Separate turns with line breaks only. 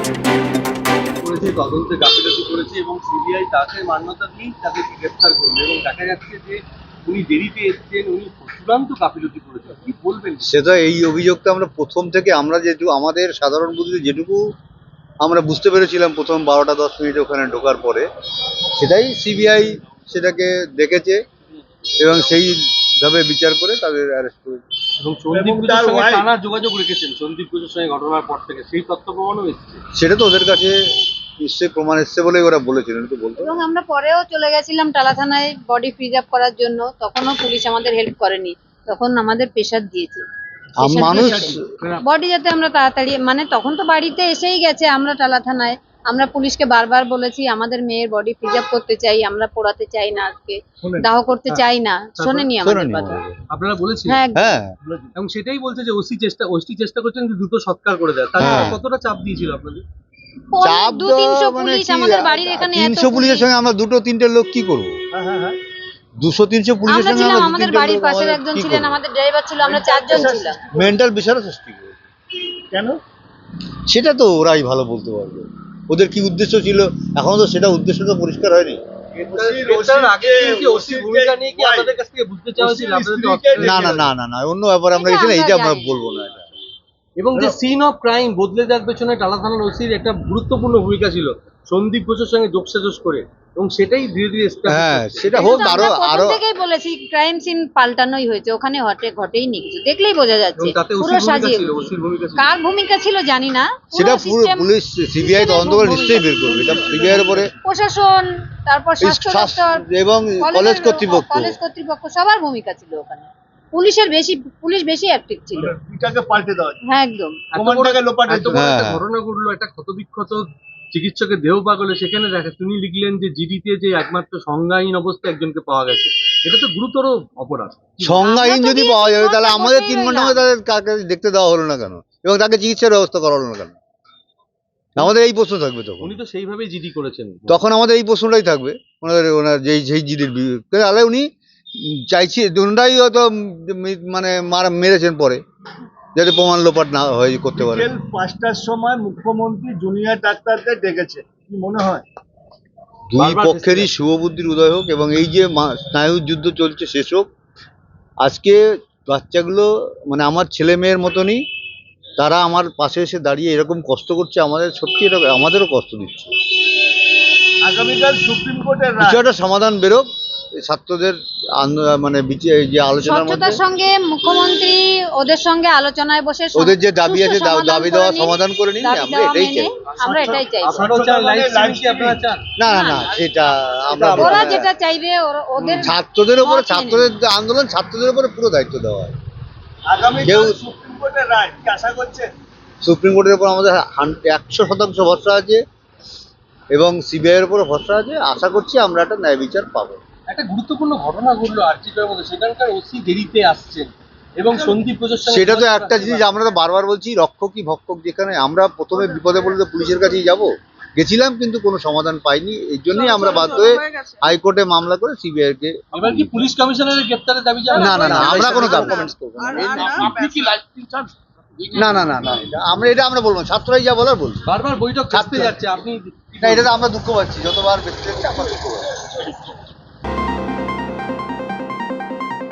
করেছে, তদন্তে গাফিলতি করেছে এবং সিবিআই তাকে মান্যতা দিয়েই তাকে গ্রেফতার করলো এবং দেখা যাচ্ছে যে উনি দেরিতে এসেছেন, উনি চূড়ান্ত গাফিলতি করেছেন। কি বলবেন?
সেটা এই অভিযোগটা আমরা প্রথম থেকে আমরা যেটুকু আমাদের সাধারণ বুদ্ধিতে যেটুকু আমরা বুঝতে পেরেছিলাম প্রথম 12টা 10 মিনিট ওখানে ঢোকার পরে, সেটাই সিবিআই সেটাকে দেখেছে এবং সেইভাবে বিচার করে তাদের অ্যারেস্ট করেছে।
এবং সন্দীপ ঘোষের সঙ্গে টানা যোগাযোগ রেখেছেন সন্দীপ ঘোষের সঙ্গে ঘটনার পর থেকে, সেই তথ্য প্রমাণও এসেছে।
সেটা তো ওদের কাছে নিশ্চয়ই প্রমাণ এসছে বলেই ওরা বলেছিলেন, তো বলতো।
এবং আমরা পরেও চলে গেছিলাম টালা থানায় বডি প্রিজার্ভ করার জন্য, তখনও পুলিশ আমাদের হেল্প করেনি, তখন আমাদের প্রেশার দিয়েছে
মানুষ
বডি যাতে আমরা তাড়াতাড়ি, মানে তখন তো বাড়িতে এসেই গেছে। আমরা টালা থানায় আমরা পুলিশকে বারবার বলেছি আমাদের মেয়ের বডি প্রিজার্ভ করতে চাই, আমরা পোড়াতে চাই না, আজকে দাহ করতে চাই না, শোনেনি আমাদের কথা।
আপনারা বলেছেন?
হ্যাঁ,
হ্যাঁ,
এবং সেটাই বলছে যে ওসি চেষ্টা করছেন যে দ্রুত সৎকার করে দেয়। তাহলে কতটা চাপ দিয়েছিল আপনাদের?
চাপ
200-300 পুলিশ আমাদের বাড়ির এখানে,
300 পুলিশের সঙ্গে আমরা 2-3টে লোক কি করবো? 200-300 পুলিশের
আমরা
সঙ্গে
ছিলাম,
আমরা
আমাদের বাড়ির পাশের একজন ছিলেন, আমাদের ড্রাইভার ছিল, আমরা 4 জন ছিলাম।
মেন্টাল প্রেশারও সৃষ্টি করে।
কেন?
সেটা তো ওরাই ভালো বলতে পারবে, ওদের কি উদ্দেশ্য ছিল। এখনো তো সেটা উদ্দেশ্য তো পরিষ্কার হয়নি। না না না না না, অন্য ব্যাপারে আমরা গেছি না, এইটা আমরা বলবো না।
এবং যে সিন অফ ক্রাইম বদলে যাওয়ার পেছনে টালা থানার ওসির একটা গুরুত্বপূর্ণ ভূমিকা ছিল সন্দীপ ঘোষের সঙ্গে যোগসাজশ করে, এবং সেটাই ধীরে ধীরে
হ্যাঁ, সেটা হোক। আরো আরো
থেকেই বলেছি ক্রাইম সিন পাল্টানোই হয়েছে, ওখানে ঘটেই নি কিছু, দেখলেই বোঝা যাচ্ছে পুরো সাজিয়ে। কার ভূমিকা ছিল জানি না,
সেটা পুরো পুলিশ সিবিআই তদন্ত করে নিশ্চয়ই বের করবে। এটা সিবিআই এর উপরে
প্রশাসন, তারপর স্বাস্থ্য দপ্তর
এবং কলেজ
কর্তৃপক্ষ সবার ভূমিকা ছিল ওখানে। পুলিশ বেশি অ্যাক্টিভ ছিল।
এটাকে পাল্টে দেওয়া,
হ্যাঁ একদম।
ঘটনা ঘটলো, একটা ক্ষতবিক্ষত চিকিৎসকের দেহ পাগলে, সেখানে দেখা তিনি লিখলেন যে জিডিতে যে একমাত্র সংজ্ঞাহীন অবস্থায় একজনকে পাওয়া গেছে। এটা তো গুরুতর অপরাধ।
সংজ্ঞাহীন যদি পাওয়া যাবে তাহলে আমাদের 3 ঘন্টা তাদের কাকে দেখতে দেওয়া হলো না কেন, এবং তাকে চিকিৎসার ব্যবস্থা করা হলো না কেন? আমাদের এই প্রশ্ন থাকবে তখন।
উনি তো সেইভাবেই জিডি করেছেন,
তখন আমাদের এই প্রশ্নটাই থাকবে ওনার যেই জিডির তাহলে উনি চাইছি ওনারাই হয়তো মানে মেরেছেন পরে, যাতে প্রমাণ লোপাট না হয় করতে পারে।
5টার সময় মুখ্যমন্ত্রী জুনিয়র ডাক্তারদের ডেকেছে, কি মনে হয়?
দুই পক্ষেরই শুভবুদ্ধির উদয় হোক এবং এই যে স্নায়ুর যুদ্ধ চলছে শেষ হোক। আজকে বাচ্চাগুলো মানে আমার ছেলে মেয়ের মতনই, তারা আমার পাশে এসে দাঁড়িয়ে এরকম কষ্ট করছে, আমাদের সত্যি এটা আমাদেরও কষ্ট দিচ্ছে।
আগামীকাল সুপ্রিম কোর্টের
কিছু একটা সমাধান বেরোক ছাত্রদের মানে যে আলোচনার মধ্যে
সঙ্গে মুখ্যমন্ত্রী ওদের সঙ্গে আলোচনায় বসে
ওদের যে দাবি আছে দাবি দেওয়া সমাধান করে নিন,
আমরা এটাই চাই।
না না না, সেটা আমরা
ওরা যেটা চাইবে ওদের
ছাত্রদের উপরে, ছাত্রদের আন্দোলন ছাত্রদের উপরে পুরো দায়িত্ব দেওয়া হয়।
আগামীকাল সুপ্রিম কোর্টের রায় কি আশা করছেন?
সুপ্রিম কোর্টের উপর আমাদের 100% ভরসা আছে এবং সিবিআই এর উপর ভরসা আছে। আশা করছি আমরা একটা ন্যায় বিচার পাবো।
একটা গুরুত্বপূর্ণ ঘটনা ঘটলো আরজিকরের মধ্যে, সেখানকার ওসি দেরিতে আসছেন এবং সন্দীপ ঘোষের সঙ্গে,
সেটা তো একটা জিনিস আমরা তো বারবার বলছি, রক্ষকই ভক্ষক। যেখানে আমরা প্রথমে বিপদে পড়লে তো পুলিশের কাছেই যাব, গেছিলাম কিন্তু কোনো সমাধান পাইনি, এই জন্যই আমরা বাধ্য হয়ে হাইকোর্টে মামলা করে সিবিআই কে।
এবার কি পুলিশ কমিশনারের গ্রেফতারের দাবি জানাবেন?
না না না, আমরা কোনো কমেন্টস করব না।
আপনি কি লাইভ স্ট্রিম চান?
না না না না, আমরা বলবো না, ছাত্ররাই যা বলার বলবো।
বারবার বৈঠক থাকতে যাচ্ছে, আপনি
না, এটা আমরা দুঃখ পাচ্ছি, যতবার ব্যক্তি আমরা দুঃখ পাচ্ছি।